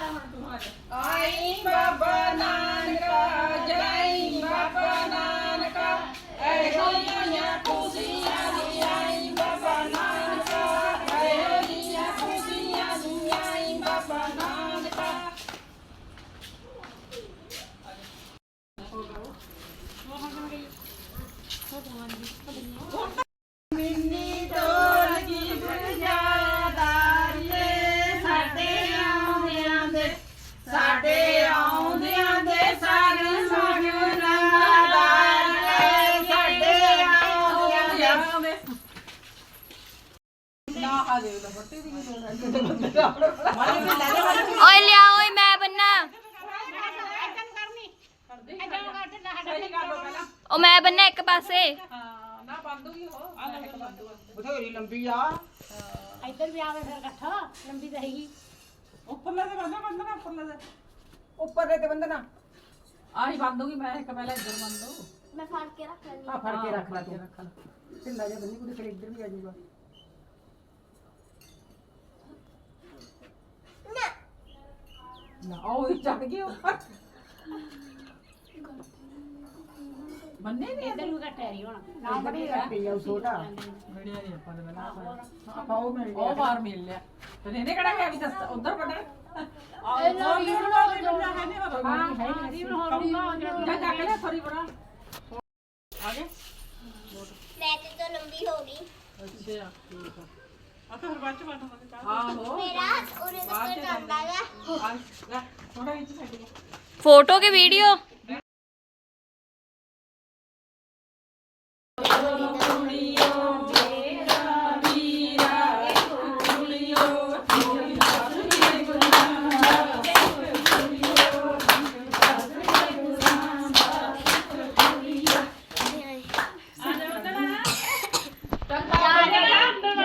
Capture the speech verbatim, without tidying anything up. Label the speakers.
Speaker 1: आई बाबा नानका जय बाबा नानका ऐहो जिया खुशियां दी आई बाबा नानका ऐहो जिया खुशियां दी आई बाबा नानका। मिन्नी ढोलकी बजादारीए साडे आउंदियां दे साडे आउंदियां दे सारे मगनादारीए साडे आउंदियां दे ना आ दे लो बट्टी दी
Speaker 2: ओए लिया ओए मैं बनना ओ मैं बनना एक पासे
Speaker 1: ना बांधूगी हो
Speaker 3: बथेरी लंबी आ
Speaker 4: इधर भी आवे फिर इकट्ठा लंबी रहेगी
Speaker 1: ऊपर ले दे बंदा बंदा ऊपर ले दे
Speaker 3: ऊपर रहते बंदना
Speaker 1: आही बांधूगी मैं एक पहले इधर बांध दो
Speaker 2: मैं फाड़ के रख लेंगी।
Speaker 3: हां फड़ के रख ला तू
Speaker 1: रख ला
Speaker 3: ढिल्ला जा बन्नी कुछ फिर इधर भी आ जाऊंगा
Speaker 1: ना ओ चढ़ गई ऊपर बन्ने नहीं
Speaker 4: इधर भी इकट्ठा रही होना
Speaker 3: ना बड़ी रखी है छोटा
Speaker 1: वीडियो नहीं अपन बना
Speaker 3: ਆਪਾਂ ਉਹ ਮਿਲ
Speaker 1: ਉਹ ਬਾਹਰ ਮਿਲ ਲਿਆ ਤੇ ਇਹਨੇ ਕਿਹੜਾ ਗਿਆ ਵੀ ਦੱਸ ਉਧਰ ਪੜਨ
Speaker 4: ਇਹ ਲੋ ਰੀਵਨ ਹੋ ਗਿਆ
Speaker 1: ਹੈ ਨਹੀਂ
Speaker 4: ਹਾਂ ਹਾਂ ਰੀਵਨ ਹੋ ਗਿਆ
Speaker 1: ਜਾ ਜਾ ਕੇ ਲੈ ਥੋੜੀ ਬਣਾ ਆਗੇ
Speaker 2: वैसे तो लंबी होगी
Speaker 1: ਅੱਛਾ ਠੀਕ ਆ ਆ ਫਿਰ ਬਾਅਦ ਚ ਬਾਟਾਂਗੇ ਆਹੋ
Speaker 2: मेरा उन्हें तो जाता है
Speaker 1: ਆ ਲੈ ਥੋੜਾ ਵਿੱਚ ਛੱਡ ਕੇ
Speaker 2: फोटो की वीडियो